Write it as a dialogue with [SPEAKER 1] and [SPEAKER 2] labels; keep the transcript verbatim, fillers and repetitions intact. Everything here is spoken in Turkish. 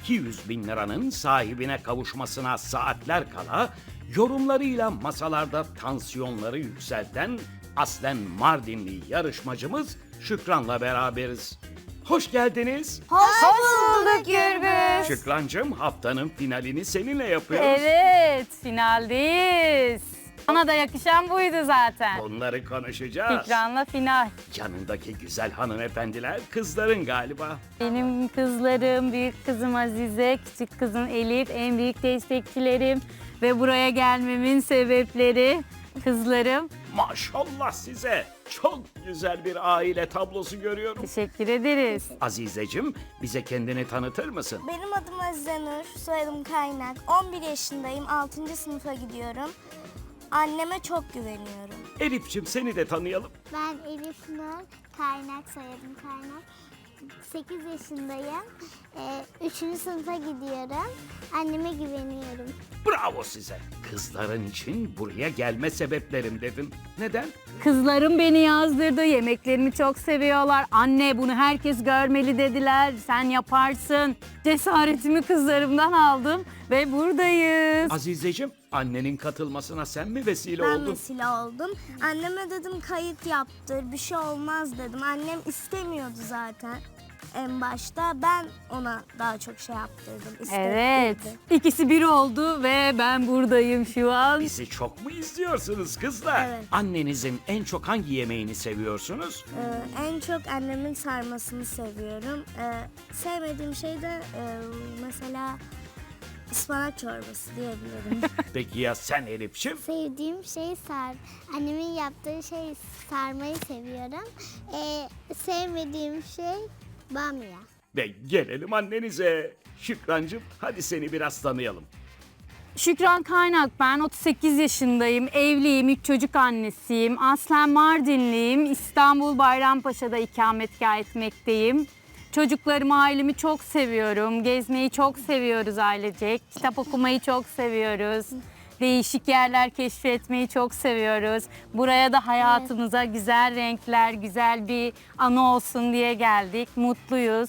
[SPEAKER 1] iki yüz bin liranın sahibine kavuşmasına saatler kala yorumlarıyla masalarda tansiyonları yükselten aslen Mardinli yarışmacımız Şükran'la beraberiz. Hoş geldiniz.
[SPEAKER 2] Hoş bulduk Gürbüz.
[SPEAKER 1] Şükrancığım, haftanın finalini seninle yapıyoruz.
[SPEAKER 2] Evet, finaldeyiz. Bana da yakışan buydu zaten.
[SPEAKER 1] Onları konuşacağız.
[SPEAKER 2] Şükran'la final.
[SPEAKER 1] Yanındaki güzel hanımefendiler kızların galiba.
[SPEAKER 2] Benim kızlarım, büyük kızım Azize, küçük kızım Elif, en büyük destekçilerim. Ve buraya gelmemin sebepleri kızlarım.
[SPEAKER 1] Maşallah size. Çok güzel bir aile tablosu görüyorum.
[SPEAKER 2] Teşekkür ederiz.
[SPEAKER 1] Azizeciğim, bize kendini tanıtır mısın?
[SPEAKER 3] Benim adım Azize Nur, soyadım Kaynak. on bir yaşındayım, altıncı sınıfa gidiyorum. Anneme çok güveniyorum.
[SPEAKER 1] Elif'ciğim, seni de tanıyalım.
[SPEAKER 4] Ben Elif Nur, Kaynak soyadım Kaynak. sekiz yaşındayım. Ee, üçüncü sınıfa gidiyorum. Anneme güveniyorum.
[SPEAKER 1] Bravo size. Kızların için buraya gelme sebeplerim dedin. Neden?
[SPEAKER 2] Kızlarım beni yazdırdı, yemeklerimi çok seviyorlar. Anne bunu herkes görmeli dediler, sen yaparsın. Cesaretimi kızlarımdan aldım ve buradayız.
[SPEAKER 1] Azizeciğim, annenin katılmasına sen mi vesile
[SPEAKER 3] Ben
[SPEAKER 1] oldun?
[SPEAKER 3] vesile oldum. Anneme dedim kayıt yaptır, bir şey olmaz dedim. Annem istemiyordu zaten en başta. Ben ona daha çok şey yaptırdım,
[SPEAKER 2] Evet,
[SPEAKER 3] istettirdim.
[SPEAKER 2] ikisi bir oldu ve ben buradayım şu an.
[SPEAKER 1] Bizi çok mu izliyorsunuz kızlar?
[SPEAKER 3] Evet.
[SPEAKER 1] Annenizin en çok hangi yemeğini seviyorsunuz?
[SPEAKER 3] Ee, en çok annemin sarmasını seviyorum. Ee, sevmediğim şey de e, mesela ıspanak çorbası diyebilirim.
[SPEAKER 1] Peki ya sen Elif'ciğim?
[SPEAKER 4] Sevdiğim şey sar. Annemin yaptığı şey sarmayı seviyorum. Ee, sevmediğim şey bamya.
[SPEAKER 1] Ve gelelim annenize. Şükrancığım, hadi seni biraz tanıyalım.
[SPEAKER 2] Şükran Kaynak ben, otuz sekiz yaşındayım, evliyim, üç çocuk annesiyim. Aslen Mardinliyim, İstanbul Bayrampaşa'da ikametgah etmekteyim. Çocuklarımı, ailemi çok seviyorum, gezmeyi çok seviyoruz ailecek, kitap okumayı çok seviyoruz. Değişik yerler keşfetmeyi çok seviyoruz. Buraya da hayatımıza güzel renkler, güzel bir anı olsun diye geldik. Mutluyuz.